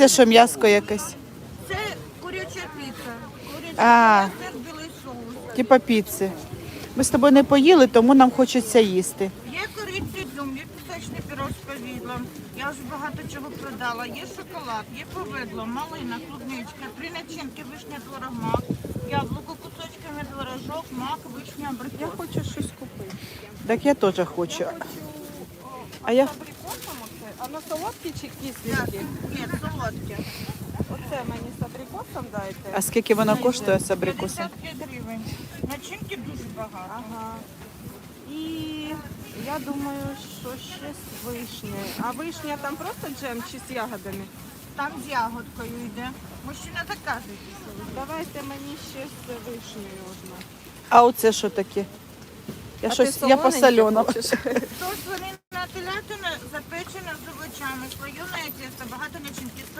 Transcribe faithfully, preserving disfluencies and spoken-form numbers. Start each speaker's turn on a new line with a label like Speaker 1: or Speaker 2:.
Speaker 1: це що, м'яско якесь?
Speaker 2: Це куряча піца. Куряча
Speaker 1: А.
Speaker 2: піца, білий соус.
Speaker 1: Типа піци. Ми з тобою не поїли, тому нам хочеться їсти.
Speaker 2: Є кориця дюм, є пісочний пірог з повідлом. Я вже багато чого продала. Є шоколад, є повидло, малина, клубничка, три начинки, вишня, творог, мак, яблуко кусочками, творожок, мак, вишня, абрикос.
Speaker 3: Я хочу щось купити.
Speaker 1: Так я теж хочу.
Speaker 3: Хочу
Speaker 1: А я-
Speaker 3: з абрикосом оце. А на солодкі чи
Speaker 2: Так,
Speaker 3: кисленькі?
Speaker 2: ні, солодке.
Speaker 3: Оце мені з абрикосом дайте.
Speaker 1: А скільки воно коштує з абрикосом?
Speaker 2: п'ятдесят п'ять гривень. Начинки дуже багато.
Speaker 3: Ага. І я думаю, що ще з вишнею. А вишня там просто джем чи з ягодами?
Speaker 2: Там з ягодкою йде. Мужчина заказує.
Speaker 3: Давайте мені ще з вишнею одну.
Speaker 1: А оце що таке? Я
Speaker 3: А
Speaker 1: щось,
Speaker 3: ти
Speaker 1: я по
Speaker 3: солоненьке
Speaker 1: соленому.
Speaker 3: хочеш?
Speaker 2: Соус свинина телятина запечена з овочами, слоєне тісто, багато начинки.